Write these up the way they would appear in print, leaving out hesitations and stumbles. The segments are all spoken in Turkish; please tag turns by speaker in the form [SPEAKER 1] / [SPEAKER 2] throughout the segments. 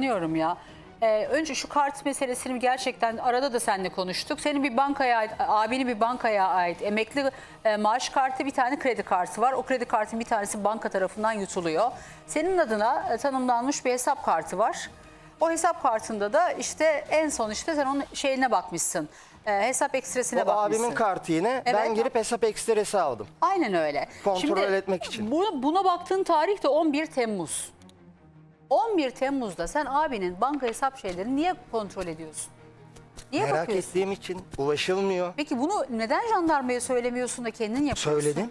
[SPEAKER 1] anlıyorum ya. Önce şu kart meselesini gerçekten arada da seninle konuştuk. Senin bir bankaya ait, abinin bir bankaya ait emekli maaş kartı, bir tane kredi kartı var. O kredi kartın bir tanesi banka tarafından yutuluyor. Senin adına tanımlanmış bir hesap kartı var. O hesap kartında da işte en son işte sen onun şeyine bakmışsın. Hesap ekstresine
[SPEAKER 2] O
[SPEAKER 1] bakmışsın.
[SPEAKER 2] abimin kartı yine. Ben
[SPEAKER 1] Evet.
[SPEAKER 2] girip hesap ekstresi aldım.
[SPEAKER 1] Aynen öyle.
[SPEAKER 2] Kontrol etmek için.
[SPEAKER 1] Buna baktığın tarih de 11 Temmuz. 11 Temmuz'da sen abinin banka hesap şeylerini niye kontrol ediyorsun? Niye
[SPEAKER 2] Merak
[SPEAKER 1] bakıyorsun?
[SPEAKER 2] ettiğim için ulaşılmıyor.
[SPEAKER 1] Peki bunu neden jandarmaya söylemiyorsun da kendin yapıyorsun?
[SPEAKER 2] Söyledim.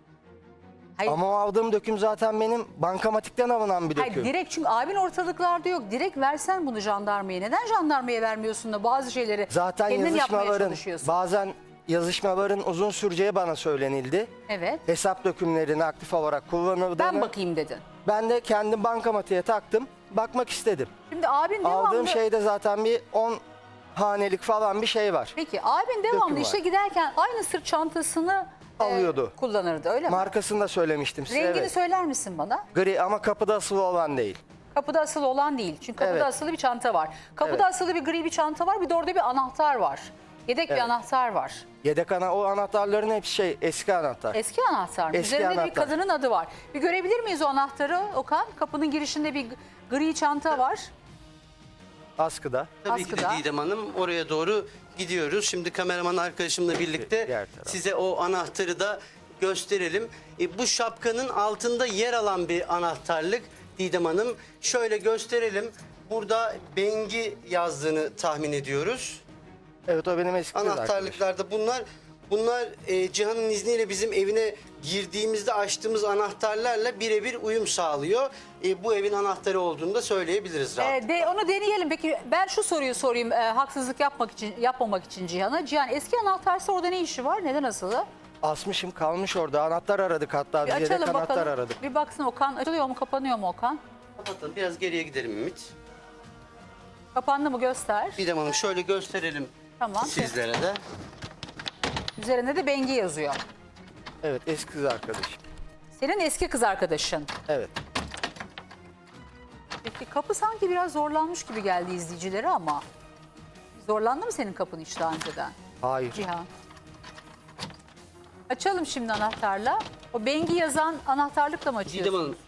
[SPEAKER 1] Hayır,
[SPEAKER 2] Ama o aldığım döküm zaten benim bankamatikten alınan bir döküm.
[SPEAKER 1] hayır direkt, çünkü abin ortalıklarda yok. Direkt versen bunu jandarmaya. Neden jandarmaya vermiyorsun da bazı şeyleri
[SPEAKER 2] Zaten
[SPEAKER 1] kendin yapmaya
[SPEAKER 2] yazışmaların,
[SPEAKER 1] çalışıyorsun?
[SPEAKER 2] bazen yazışmaların uzun süreceği bana söylenildi.
[SPEAKER 1] Evet.
[SPEAKER 2] Hesap dökümlerini aktif olarak kullanıldığını.
[SPEAKER 1] Ben bakayım dedin.
[SPEAKER 2] Ben de kendim bankamatiğe taktım. Bakmak istedim.
[SPEAKER 1] Şimdi abin devamlı...
[SPEAKER 2] Aldığım şeyde zaten bir 10 hanelik falan bir şey var.
[SPEAKER 1] Peki abin devamlı
[SPEAKER 2] Döküm
[SPEAKER 1] işe
[SPEAKER 2] var.
[SPEAKER 1] giderken aynı sırt çantasını
[SPEAKER 2] Alıyordu.
[SPEAKER 1] kullanırdı, öyle mi?
[SPEAKER 2] Markasını da söylemiştim size.
[SPEAKER 1] Rengini
[SPEAKER 2] Evet.
[SPEAKER 1] söyler misin bana?
[SPEAKER 2] Gri ama kapıda asılı olan değil.
[SPEAKER 1] Kapıda asılı olan değil. Çünkü kapıda
[SPEAKER 2] Evet.
[SPEAKER 1] asılı bir çanta var. Kapıda
[SPEAKER 2] Evet.
[SPEAKER 1] asılı bir gri bir çanta var. Bir de orada bir anahtar var. Yedek bir
[SPEAKER 2] Evet.
[SPEAKER 1] anahtar var.
[SPEAKER 2] Yedek o anahtarların hepsi eski anahtar.
[SPEAKER 1] Eski anahtar mı?
[SPEAKER 2] Eski
[SPEAKER 1] Üzerinde de bir
[SPEAKER 2] anahtar.
[SPEAKER 1] kadının adı var. Bir görebilir miyiz o anahtarı Okan? Kapının girişinde bir gri çanta var.
[SPEAKER 2] Askıda.
[SPEAKER 3] Tabii ki de
[SPEAKER 1] Askıda.
[SPEAKER 3] Didem Hanım, oraya doğru gidiyoruz. Şimdi kameraman arkadaşımla birlikte
[SPEAKER 2] Diğer taraf.
[SPEAKER 3] size o anahtarı da gösterelim. Bu şapkanın altında yer alan bir anahtarlık Didem Hanım. Şöyle gösterelim. Burada Bengi yazdığını tahmin ediyoruz.
[SPEAKER 2] Evet, o benim eski kız arkadaşım.
[SPEAKER 3] Anahtarlıklarda bunlar Cihan'ın izniyle bizim evine girdiğimizde açtığımız anahtarlarla birebir uyum sağlıyor. Bu evin anahtarı olduğunu da söyleyebiliriz rahatlıkla.
[SPEAKER 1] Onu deneyelim. Peki ben şu soruyu sorayım haksızlık yapmamak için Cihan'a. Cihan, eski anahtarsa orada ne işi var? Neden asılı?
[SPEAKER 2] Asmışım, kalmış orada. Anahtar aradık hatta.
[SPEAKER 1] Bir
[SPEAKER 2] Biz yedek
[SPEAKER 1] açalım
[SPEAKER 2] anahtar
[SPEAKER 1] bakalım.
[SPEAKER 2] aradık.
[SPEAKER 1] Bir baksın Okan. Açılıyor mu, kapanıyor mu Okan?
[SPEAKER 3] Kapatalım. Biraz geriye gidelim Ümit.
[SPEAKER 1] Kapandı mı göster.
[SPEAKER 3] Didem Hanım şöyle gösterelim
[SPEAKER 1] Tamam.
[SPEAKER 3] sizlere de.
[SPEAKER 1] Üzerinde de Bengi yazıyor.
[SPEAKER 2] Evet, eski kız arkadaşım.
[SPEAKER 1] Senin eski kız arkadaşın.
[SPEAKER 2] Evet.
[SPEAKER 1] Peki kapı sanki biraz zorlanmış gibi geldi izleyicilere ama. Zorlandı mı senin kapın hiç daha önceden
[SPEAKER 2] Hayır.
[SPEAKER 1] Cihan? Açalım şimdi anahtarla. O Bengi yazan anahtarlıkla mı
[SPEAKER 3] Didem
[SPEAKER 1] açıyorsun?
[SPEAKER 3] Hanım.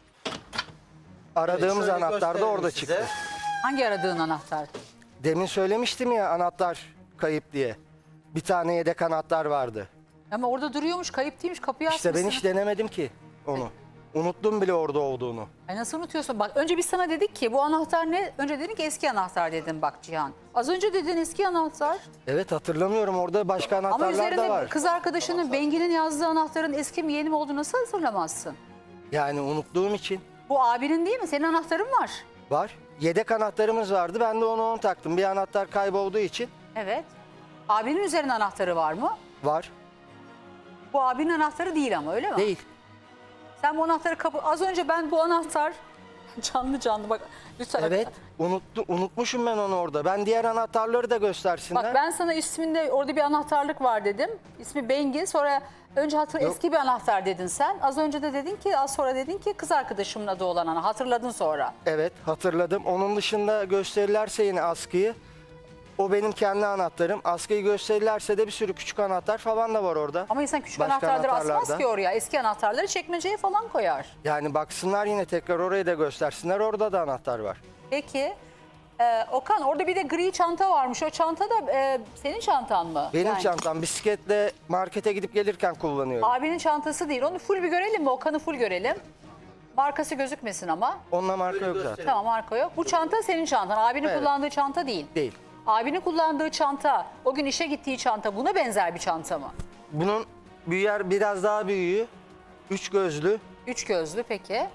[SPEAKER 2] Aradığımız
[SPEAKER 3] şöyle
[SPEAKER 2] anahtar da
[SPEAKER 3] gösterelim
[SPEAKER 2] orada
[SPEAKER 3] size.
[SPEAKER 2] çıktı.
[SPEAKER 1] Hangi aradığın anahtar?
[SPEAKER 2] Demin söylemiştim ya, anahtar kayıp diye. Bir tane yedek anahtar vardı.
[SPEAKER 1] Ama orada duruyormuş, kayıp değilmiş, kapıyı
[SPEAKER 2] İşte
[SPEAKER 1] açmışsın.
[SPEAKER 2] ben hiç denemedim ki onu. Unuttum bile orada olduğunu.
[SPEAKER 1] Ay nasıl unutuyorsun? Bak önce biz sana dedik ki bu anahtar ne? Önce dedin ki eski anahtar dedin bak Cihan. Az önce dedin eski anahtar.
[SPEAKER 2] Evet, hatırlamıyorum, orada başka
[SPEAKER 1] Ama
[SPEAKER 2] anahtarlar da
[SPEAKER 1] üzerinde
[SPEAKER 2] var.
[SPEAKER 1] kız arkadaşının Bengi'nin yazdığı anahtarın eski mi yeni mi olduğunu nasıl hatırlamazsın?
[SPEAKER 2] Yani unuttuğum için
[SPEAKER 1] Bu abinin değil mi? Senin anahtarın var.
[SPEAKER 2] var. Yedek anahtarımız vardı, ben de onu taktım. Bir anahtar kaybolduğu için
[SPEAKER 1] Evet. Abinin üzerinde anahtarı var mı?
[SPEAKER 2] var.
[SPEAKER 1] Bu abinin anahtarı değil ama, öyle mi?
[SPEAKER 2] Değil.
[SPEAKER 1] Sen bu anahtarı az önce ben bu anahtar canlı bak lütfen.
[SPEAKER 2] Evet, unutmuşum ben onu orada. Ben diğer anahtarları da göstersinler.
[SPEAKER 1] Bak ben sana isminde orada bir anahtarlık var dedim. İsmi Bengi. Sonra önce
[SPEAKER 2] Yok.
[SPEAKER 1] eski bir anahtar dedin sen. Az önce de dedin ki, az sonra dedin ki kız arkadaşımın adı olan ana. Hatırladın sonra.
[SPEAKER 2] Evet, hatırladım. Onun dışında gösterirlerse yine askıyı, o benim kendi anahtarım. Askıyı gösterirlerse de bir sürü küçük anahtar falan da var orada.
[SPEAKER 1] Ama insan küçük
[SPEAKER 2] Başka
[SPEAKER 1] anahtarları asmaz
[SPEAKER 2] anahtarlarda.
[SPEAKER 1] ki oraya. Eski anahtarları çekmeceye falan koyar.
[SPEAKER 2] Yani baksınlar yine, tekrar orayı da göstersinler. Orada da anahtar var.
[SPEAKER 1] Peki Okan, orada bir de gri çanta varmış. O çanta da senin çantan mı?
[SPEAKER 2] Benim
[SPEAKER 1] Yani
[SPEAKER 2] çantam, bisikletle markete gidip gelirken kullanıyorum.
[SPEAKER 1] abinin çantası değil. Onu full bir görelim mi? Okan'ı full görelim. Markası gözükmesin ama.
[SPEAKER 2] Onunla marka
[SPEAKER 3] Böyle
[SPEAKER 2] yok zaten.
[SPEAKER 3] gösterelim.
[SPEAKER 1] Tamam, marka yok. Bu çanta senin çantan. Abinin
[SPEAKER 2] Evet.
[SPEAKER 1] kullandığı çanta değil.
[SPEAKER 2] Değil.
[SPEAKER 1] Abinin kullandığı çanta, o gün işe gittiği çanta buna benzer bir çanta mı?
[SPEAKER 2] Bunun büyüğü, biraz daha büyüğü, 3 gözlü,
[SPEAKER 1] Üç gözlü peki.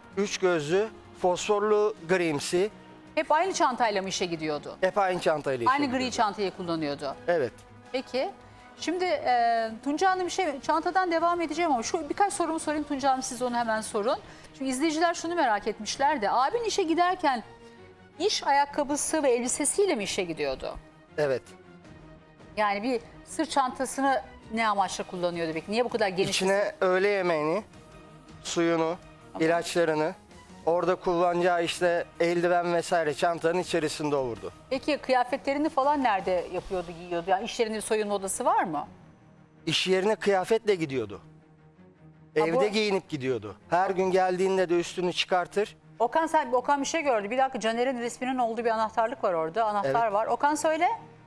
[SPEAKER 2] fosforlu grimsi.
[SPEAKER 1] Hep aynı çantayla mı işe gidiyordu?
[SPEAKER 2] Hep aynı çantayla işe
[SPEAKER 1] Aynı gri
[SPEAKER 2] gidiyorum.
[SPEAKER 1] çantayı kullanıyordu.
[SPEAKER 2] Evet.
[SPEAKER 1] Peki. Şimdi Tunca Hanım çantadan devam edeceğim ama şu birkaç sorumu sorayım Tunca Hanım, siz onu hemen sorun. Çünkü izleyiciler şunu merak etmişler de, abin işe giderken iş ayakkabısı ve elbisesiyle mi işe gidiyordu?
[SPEAKER 2] Evet.
[SPEAKER 1] Yani bir sırt çantasını ne amaçla kullanıyordu peki? Niye bu kadar geniş?
[SPEAKER 2] İçine öğle yemeğini, suyunu, ilaçlarını, Orada kullanacağı işte eldiven vesaire çantanın içerisinde olurdu.
[SPEAKER 1] Peki kıyafetlerini falan nerede yapıyordu, giyiyordu? Yani iş yerinde bir soyunma odası var mı?
[SPEAKER 2] İş yerine kıyafetle gidiyordu.
[SPEAKER 1] Ha,
[SPEAKER 2] Evde
[SPEAKER 1] bu-
[SPEAKER 2] giyinip gidiyordu. Her gün geldiğinde de üstünü çıkartır.
[SPEAKER 1] Okan bir şey gördü. Bir dakika, Caner'in resminin olduğu bir anahtarlık var orada. Anahtar
[SPEAKER 2] Evet.
[SPEAKER 1] var. Okan söyle.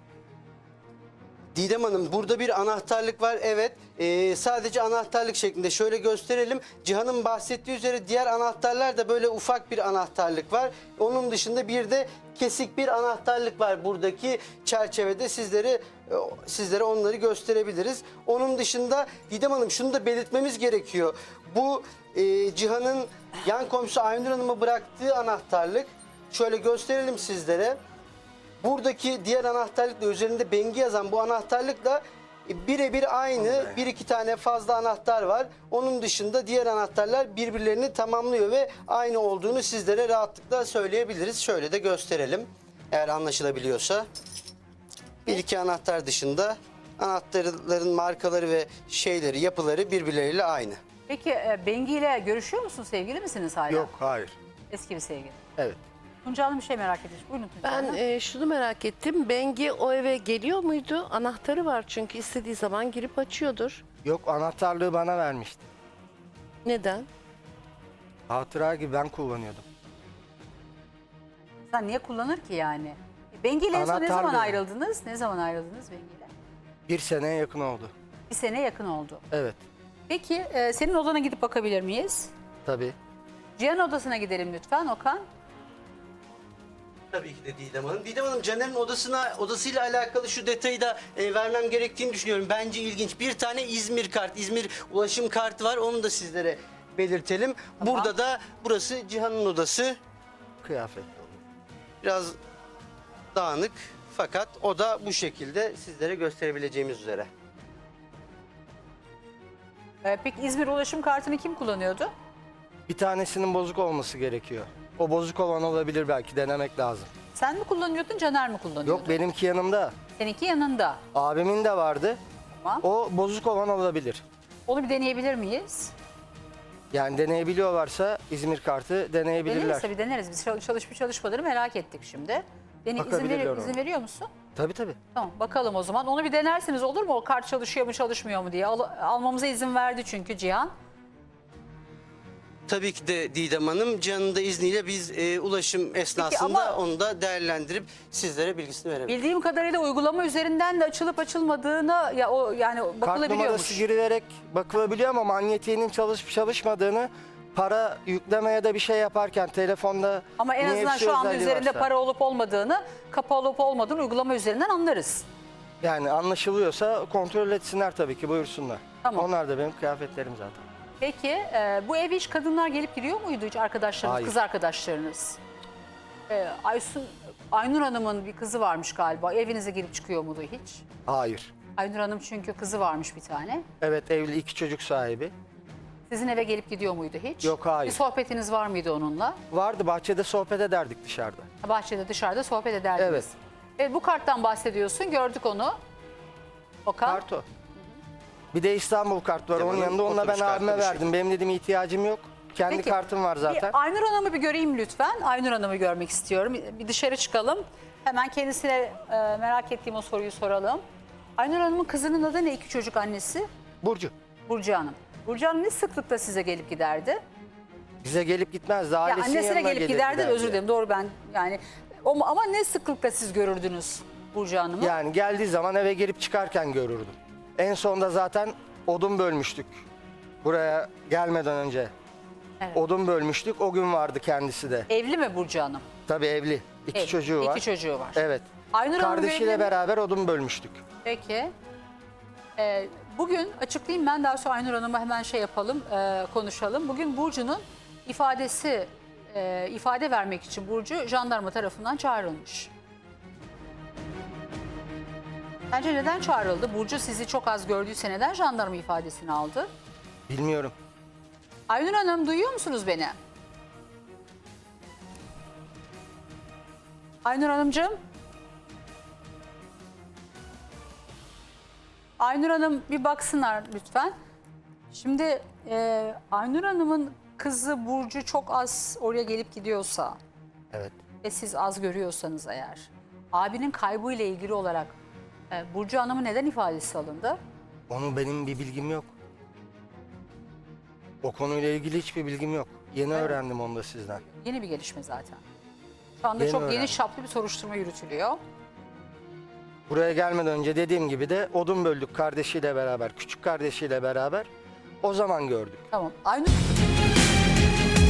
[SPEAKER 3] Didem Hanım, burada bir anahtarlık var, evet. Sadece anahtarlık şeklinde şöyle gösterelim. Cihan'ın bahsettiği üzere diğer anahtarlar da böyle ufak bir anahtarlık var. Onun dışında bir de kesik bir anahtarlık var buradaki çerçevede. Sizlere onları gösterebiliriz. Onun dışında Didem Hanım, şunu da belirtmemiz gerekiyor. Bu Cihan'ın yan komşusu Aynur Hanım'a bıraktığı anahtarlık. Şöyle gösterelim sizlere. Buradaki diğer anahtarlıkla, üzerinde Bengi yazan bu anahtarlıkla birebir aynı. Bir iki tane fazla anahtar var. Onun dışında diğer anahtarlar birbirlerini tamamlıyor ve aynı olduğunu sizlere rahatlıkla söyleyebiliriz. Şöyle de gösterelim, eğer anlaşılabiliyorsa. Bir iki anahtar dışında anahtarların markaları ve yapıları birbirleriyle aynı.
[SPEAKER 1] Peki Bengi ile görüşüyor musun? Sevgili misiniz hala?
[SPEAKER 2] Yok, hayır.
[SPEAKER 1] Eski bir sevgili.
[SPEAKER 2] Evet.
[SPEAKER 1] Tunca Hanım bir şey merak etmiş. Buyurun Tunca Hanım.
[SPEAKER 4] Ben şunu merak ettim. Bengi o eve geliyor muydu? Anahtarı var çünkü istediği zaman girip açıyordur.
[SPEAKER 2] Yok, anahtarlığı bana vermişti.
[SPEAKER 4] Neden?
[SPEAKER 2] Hatıra gibi ben kullanıyordum.
[SPEAKER 1] Sen niye kullanır ki yani? Bengi ile en son ne
[SPEAKER 2] Anahtar
[SPEAKER 1] zaman
[SPEAKER 2] diyor.
[SPEAKER 1] ayrıldınız? Ne zaman ayrıldınız Bengi ile?
[SPEAKER 2] 1 seneye yakın oldu.
[SPEAKER 1] Bir sene yakın oldu.
[SPEAKER 2] Evet.
[SPEAKER 1] Peki senin odana gidip bakabilir miyiz?
[SPEAKER 2] Tabii.
[SPEAKER 1] Cihan odasına gidelim lütfen Okan.
[SPEAKER 3] Tabii ki de Didem Hanım. Didem Hanım, Caner'in odasıyla alakalı şu detayı da vermem gerektiğini düşünüyorum. Bence ilginç. Bir tane İzmir ulaşım kartı var. Onu da sizlere belirtelim.
[SPEAKER 1] Tamam.
[SPEAKER 3] Burada da burası Cihan'ın odası.
[SPEAKER 2] Kıyafetli oldu.
[SPEAKER 3] Biraz dağınık, fakat o da bu şekilde sizlere gösterebileceğimiz üzere.
[SPEAKER 1] Peki İzmir ulaşım kartını kim kullanıyordu?
[SPEAKER 2] Bir tanesinin bozuk olması gerekiyor. O bozuk olan olabilir, belki denemek lazım.
[SPEAKER 1] Sen mi kullanıyordun, Caner mi kullanıyordu?
[SPEAKER 2] Yok, benimki yanımda.
[SPEAKER 1] Seninki yanında.
[SPEAKER 2] Abimin de vardı.
[SPEAKER 1] Tamam.
[SPEAKER 2] O bozuk olan olabilir.
[SPEAKER 1] Onu bir deneyebilir miyiz?
[SPEAKER 2] Yani deneyebiliyorlarsa İzmir kartı deneyebilirler.
[SPEAKER 1] Deneriz tabii, deneriz. Biz çalışıp çalışmadığını merak ettik şimdi.
[SPEAKER 2] Bakabilirler ona.
[SPEAKER 1] İzin veriyor musun?
[SPEAKER 2] Tabii.
[SPEAKER 1] Tamam, bakalım o zaman. Onu bir denersiniz olur mu? O kart çalışıyor mu çalışmıyor mu diye. Almamıza izin verdi çünkü Cihan.
[SPEAKER 3] Tabii ki de Didem Hanım, Cihan'ın da izniyle biz ulaşım esnasında
[SPEAKER 1] ama-
[SPEAKER 3] onu da değerlendirip sizlere bilgisini verebiliriz.
[SPEAKER 1] Bildiğim kadarıyla uygulama üzerinden de açılıp açılmadığını yani
[SPEAKER 2] Kart numarası
[SPEAKER 1] bakılabiliyormuş.
[SPEAKER 2] girilerek bakılabiliyor ama manyetiğinin çalışıp çalışmadığını, para yüklemeye de bir şey yaparken telefonda
[SPEAKER 1] Ama en azından
[SPEAKER 2] NFC
[SPEAKER 1] şu anda
[SPEAKER 2] özelliği
[SPEAKER 1] üzerinde
[SPEAKER 2] varsa,
[SPEAKER 1] para olup olmadığını, kapalı olup olmadığını uygulama üzerinden anlarız.
[SPEAKER 2] yani anlaşılıyorsa kontrol etsinler tabii ki, buyursunlar.
[SPEAKER 1] Tamam.
[SPEAKER 2] Onlar da benim kıyafetlerim zaten.
[SPEAKER 1] Peki bu eve hiç kadınlar gelip giriyor muydu, hiç arkadaşlarınız,
[SPEAKER 2] Hayır.
[SPEAKER 1] kız arkadaşlarınız? Aynur Hanım'ın bir kızı varmış galiba. Evinize girip çıkıyor muydu hiç?
[SPEAKER 2] Hayır.
[SPEAKER 1] Aynur Hanım çünkü kızı varmış bir tane.
[SPEAKER 2] Evet, evli, 2 çocuk sahibi.
[SPEAKER 1] Sizin eve gelip gidiyor muydu hiç?
[SPEAKER 2] Yok, hayır.
[SPEAKER 1] Bir sohbetiniz var mıydı onunla?
[SPEAKER 2] Vardı, bahçede sohbet ederdik dışarıda.
[SPEAKER 1] Bahçede, dışarıda sohbet ederdiniz.
[SPEAKER 2] Evet.
[SPEAKER 1] Evet, bu karttan bahsediyorsun. Gördük onu. Okan.
[SPEAKER 2] Kart o. Bir de İstanbul kart var
[SPEAKER 3] Tamam,
[SPEAKER 2] onun yanında. Onunla ben
[SPEAKER 3] otobüs kartı
[SPEAKER 2] abime
[SPEAKER 3] bu
[SPEAKER 2] verdim. Benim dedim ihtiyacım yok. Kendi
[SPEAKER 1] Peki,
[SPEAKER 2] kartım var zaten.
[SPEAKER 1] Bir Aynur Hanım'ı bir göreyim lütfen. Aynur Hanım'ı görmek istiyorum. Bir dışarı çıkalım. Hemen kendisine merak ettiğim o soruyu soralım. Aynur Hanım'ın kızının adı ne? 2 çocuk annesi.
[SPEAKER 2] Burcu.
[SPEAKER 1] Burcu Hanım. Burcu Hanım ne sıklıkla size gelip giderdi?
[SPEAKER 2] Bize gelip gitmezdi.
[SPEAKER 1] Ya
[SPEAKER 2] Ailesinin
[SPEAKER 1] annesine
[SPEAKER 2] yanına
[SPEAKER 1] gelip
[SPEAKER 2] gelir
[SPEAKER 1] giderdi.
[SPEAKER 2] giderdi.
[SPEAKER 1] Özür dilerim. Doğru, ben yani ama ne sıklıkla siz görürdünüz Burcu Hanım'ı?
[SPEAKER 2] Yani geldiği zaman eve girip çıkarken görürdüm. En sonunda zaten odun bölmüştük. Buraya gelmeden önce.
[SPEAKER 1] Evet.
[SPEAKER 2] Odun bölmüştük. O gün vardı kendisi de.
[SPEAKER 1] Evli mi Burcu Hanım?
[SPEAKER 2] Tabii evli. 2
[SPEAKER 1] Evli.
[SPEAKER 2] çocuğu var.
[SPEAKER 1] 2 çocuğu var.
[SPEAKER 2] Evet.
[SPEAKER 1] Aynur Hanım
[SPEAKER 2] Kardeşiyle
[SPEAKER 1] evli mi?
[SPEAKER 2] beraber odun bölmüştük.
[SPEAKER 1] Peki. Bugün açıklayayım ben, daha sonra Aynur Hanım'a hemen yapalım, konuşalım. Bugün Burcu'nun ifade vermek için Burcu jandarma tarafından çağrılmış. Bence neden çağrıldı? Burcu sizi çok az gördüyse neden jandarma ifadesini aldı?
[SPEAKER 2] Bilmiyorum.
[SPEAKER 1] Aynur Hanım, duyuyor musunuz beni? Aynur Hanımcığım. Aynur Hanım bir baksınlar lütfen. Şimdi Aynur Hanım'ın kızı Burcu çok az oraya gelip gidiyorsa
[SPEAKER 2] Evet.
[SPEAKER 1] ve siz az görüyorsanız eğer, abinin kaybıyla ilgili olarak Burcu Hanım'ın neden ifadesi alındı?
[SPEAKER 2] Onu benim bir bilgim yok. O konuyla ilgili hiçbir bilgim yok. Yeni öğrendim onu da sizden.
[SPEAKER 1] Yeni bir gelişme zaten. Şu anda
[SPEAKER 2] Yeni
[SPEAKER 1] çok
[SPEAKER 2] öğrendim.
[SPEAKER 1] geniş çaplı bir soruşturma yürütülüyor.
[SPEAKER 2] Buraya gelmeden önce dediğim gibi de odun böldük kardeşiyle beraber, küçük kardeşiyle beraber. O zaman gördük.
[SPEAKER 1] Tamam. Aynur